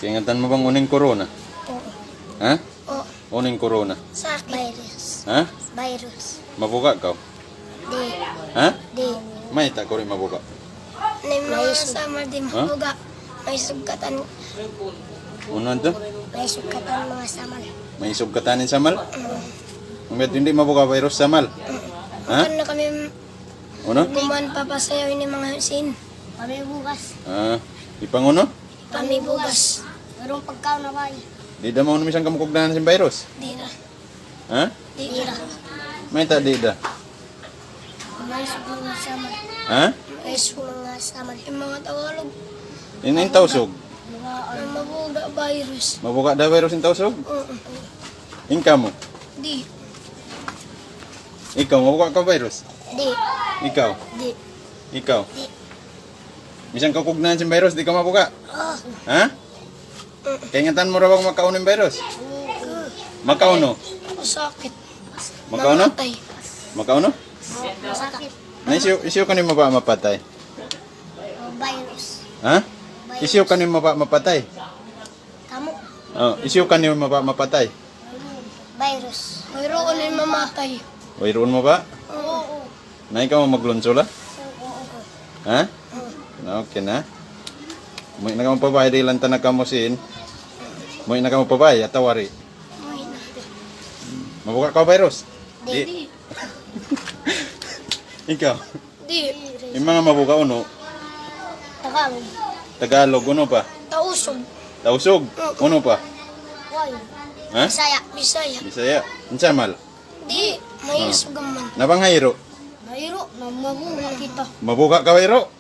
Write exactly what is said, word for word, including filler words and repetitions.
Kaingatan mo bang uning corona? Oo. Ha? Oo. Uning corona. Sakit. Virus. Ha? Virus. Mabuka ka? Di. Ha? Di. May ta ko rin mabuka. May mga sama di mabuga. May sugkatan. Uno to? May sugkatan mga samal. May sugkatanin sa mal? Mm. Umet hindi mabuka virus sa mal. Ha? Bukan na kami Uno? guman papasayaw ni mga sin. Kami bugas. Ah, ipanguno? Kami bugas. Merong pagkaon na ba? Di da mo numisang kamukugdanan sa virus. Di na. Ha? Di na. May ta di da. May sugkatan mga samal. Ha? May sugkatan mga samal. Yung mga Tagalog. Ining tausog. Ang mabuga virus. Mabuka da virus in tausog? Oo. Ingka mo. Di. Ikaw mabuka ka virus. Di. Ikaw. Di. Ikaw. Di. Misang kakugnahan sa virus di ka mabuka. Oh. Ha? Kaingatan mo ra bang makauno yung virus? Makauno? Sakit. Makauno? Namatay. Makauno? Masakit. Na isiyo, isiyo ka ni maba mapatay. Virus. Ha? Isiyo ka ni maba mapatay. Kamu. Oh, isiyo ka ni maba mapatay. Virus. Mayroon yung mamatay. Wairoon mo ba? Oo. Na ikaw mo maglunsola? Oo. Ha? Okay na. Mo na ka mo pabay di lang tanag ka mo sin. Mo na ka mo pabay atawari. Mabuka ka virus? Di. Ikaw. Di. Yung mga mabuka uno, Tagalog. Tagalog uno pa. Tausog. Tausog uno pa. Why? Ha? Bisaya. Bisaya. Bisaya. Unsa mal? Di. May sugaman. Nabang hayro. Mayro. Na mabuga kita. Mabuka ka hayro.